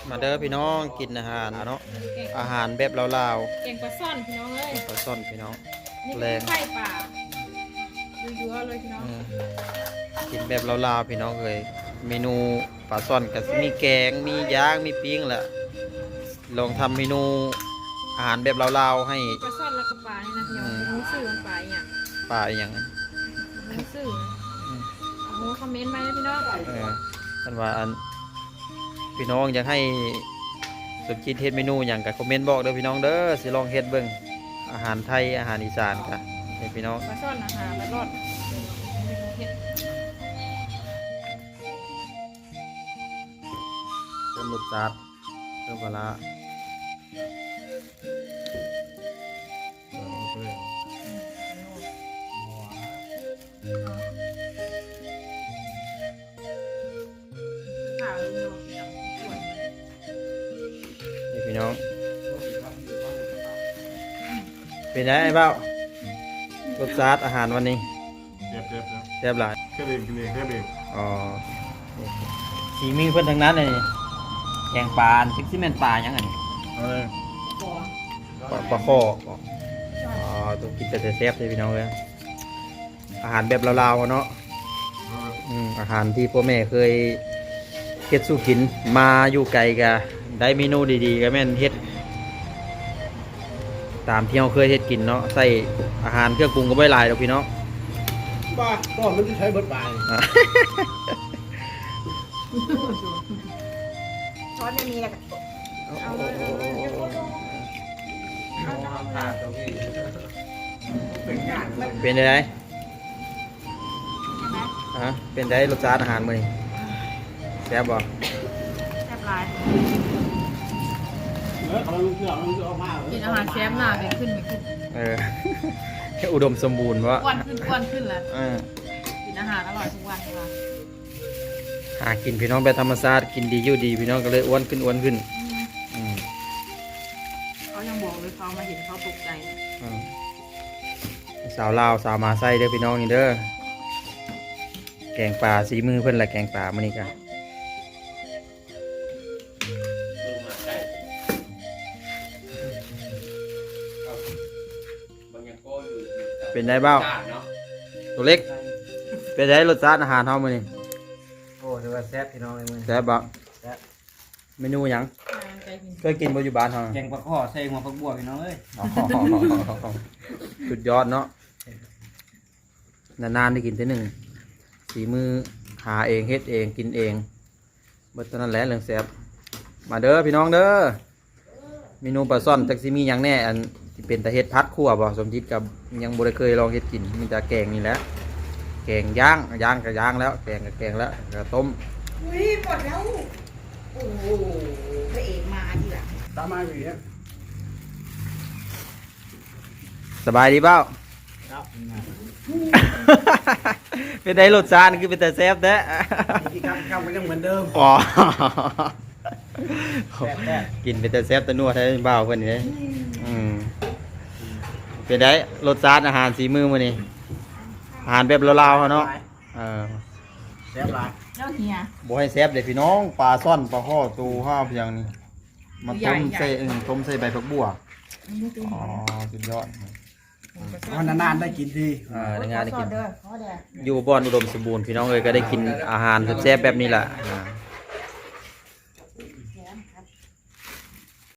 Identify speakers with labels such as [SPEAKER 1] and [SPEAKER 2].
[SPEAKER 1] มาเด้อพี่น้องกินอาหารเนาะอาหารแบบลาว
[SPEAKER 2] แกงปลาซ่อนพี่น้องเอ้ย
[SPEAKER 1] ๆปลาซ่อนพี่น้อง
[SPEAKER 2] นี่
[SPEAKER 1] แร
[SPEAKER 2] คือง ไข่ป่ายั่วๆเลยพี่น้อง
[SPEAKER 1] กินแบบลาวๆพี่น้องเลยเมนูปลาซ่อนก็สิมีแกงมีย่างมีปิ้งแหละลองทำเมนูอาหารแบบลาวๆให้
[SPEAKER 2] ปลาซ่อนแล้วก็ปลานี่นะพี่น้องรู้สื่อมันปลาอย่าง
[SPEAKER 1] ปลาอหย่าง
[SPEAKER 2] รู้สื่อโอ้โหคอมเมนต์มาเลยพี่น้อง
[SPEAKER 1] ท่านว่าอันพี่น้องอยากให้สมคิดเฮ็ดเมนูอย่างกับคอมเมนต์บอกเด้อพี่น้องเด้อสิลองเฮ็ดเบิ่งอาหารไทยอาหารอีสานกันให้พี่น้อง
[SPEAKER 2] ปลาซ่อนอาหารแล้วรอดเห็ด
[SPEAKER 1] เพิ่มรสจัดเพิ่มปลาร้า
[SPEAKER 2] ข่าวเลยพี่น้องส่วน
[SPEAKER 1] นี่พี่น้องเป็นไงไอ้เบ้ารสจัดอาหารวันนี้
[SPEAKER 3] เจ็บ
[SPEAKER 1] แซ่บหลาย
[SPEAKER 3] แค่เองกินเองแค่เอง
[SPEAKER 1] อ๋อสีมือเพิ่นทั้งนั้นเลยแกงปลาซิกซี่แมนปลายังไง
[SPEAKER 3] เอาเลย
[SPEAKER 1] ปลาข้ออ๋อต้องกินแต่แซ่บๆเลยพี่น้องเลยอาหารแบบลาวๆเนาะอาหารที่พ่อแม่เคยเฮ็ดสู้กินมาอยู่ไกลกะได้เมนูดีๆก็แม่นเฮ็ดตามที่เราเคยเฮ็ดกินเนาะใส่อาหารเครื่องปรุงก็ไม่หลายหรอกพี่น้อง
[SPEAKER 3] บ้าก็มันจะใช้เบิดปลาย
[SPEAKER 2] ช้อนไม่มีแล้วก็เอาเลยเอาเลย
[SPEAKER 1] เป็นไงฮะเป็นไงรสชาติอาหารมื้อนี้แซ่บบ่
[SPEAKER 2] แซ่บหลาย
[SPEAKER 3] เขาลูกเสือเอาผ้า
[SPEAKER 2] กินอาหารแซ่บหน้าไปขึ้น
[SPEAKER 1] อุดมสมบูรณ์วะ
[SPEAKER 2] อ้วนขึ้นแล้ว
[SPEAKER 1] เออ
[SPEAKER 2] กินอาหารอร่อยทุกวันค่ะ
[SPEAKER 1] หากินพี่น้องแบบธรรมชาติกินดีอยู่ดีพี่น้องก็เลยอ้วนขึ้นอืม
[SPEAKER 2] เขายังบอกเลยเขามาเห็นเขาตกใจ
[SPEAKER 1] อืมสาวลาวสาวมาไส้เด้อพี่น้องนี่เด้อแกงปลาสีมือเพิ่นละแกงปลามื้อนี้กันเป็นไงบ้างตัวเล็กเป็นไงรสชาติอาหารเฮามื้อนี้
[SPEAKER 4] โอ้ถือว่าแซ่บพี่น้องเลยมึง
[SPEAKER 1] แซ่บบ่
[SPEAKER 4] แซ่บ
[SPEAKER 1] เมนูหยัง
[SPEAKER 2] ใจกิน
[SPEAKER 1] เคยกินบ่อยู่บ้านเฮา
[SPEAKER 4] แกงปลาข้อใส่หัวผักบัวพี่น้องเอ้ย
[SPEAKER 1] อ๋อสุดยอดเนาะนานๆได้กินทีหนึ่งสีมือหาเองเฮ็ดเองกินเองเบิดเท่านั้นแหละเรื่องแซ่บมาเด้อพี่น้องเด้อเมนูปลาซ่อนจักสิมีหยังแน่อันที่เป็นตะเฮ็ดพัดคั่วบ่สมจิตกับยังบ่ได้เคยลองเฮ็ดกินมีแต่แกงนี่แหละแกงย่างก็ย่างแล้วแกงก็แกงแล้วก็ต้ม
[SPEAKER 5] อุ้ยหมดแล้ว โอ้โหพระเอกมาทีหลัง
[SPEAKER 3] ตามมาอย่างเงี้ย
[SPEAKER 1] สบายดีเปล่า
[SPEAKER 3] ครับ
[SPEAKER 1] เป็นไดรสชาติคือเป็นแต่แซ่บแท้
[SPEAKER 3] ที่ครับมันยังเหมือนเดิม
[SPEAKER 1] อ๋อ
[SPEAKER 3] แซ่บ
[SPEAKER 1] กินเป็นแต่แซ่บแต่นัวแท้บ้าวเพิ่นนี่เด้เป็นไดรสชาติอาหารสีมือมื้อนี้อาหารแบบลาวๆเนาะเออ
[SPEAKER 3] แซ่บหลาย
[SPEAKER 2] เจ้าเฮีย
[SPEAKER 1] บ่ให้แซ่บเด้พี่น้องปลาซ่อนปลาข้อตูห้าเพียงนี่มาต้มใส่ต้มใส่ใบผักบัวอ๋อสุดยอด
[SPEAKER 3] วันนานๆได้กินที
[SPEAKER 1] ในงานได้กิน
[SPEAKER 5] เด้อขอแดด
[SPEAKER 1] อยู่บ่อนอุดมสมบูรณ์พี่น้องเอ้ยก็ได้กินอาหารแซ่บๆแบบนี้แหละ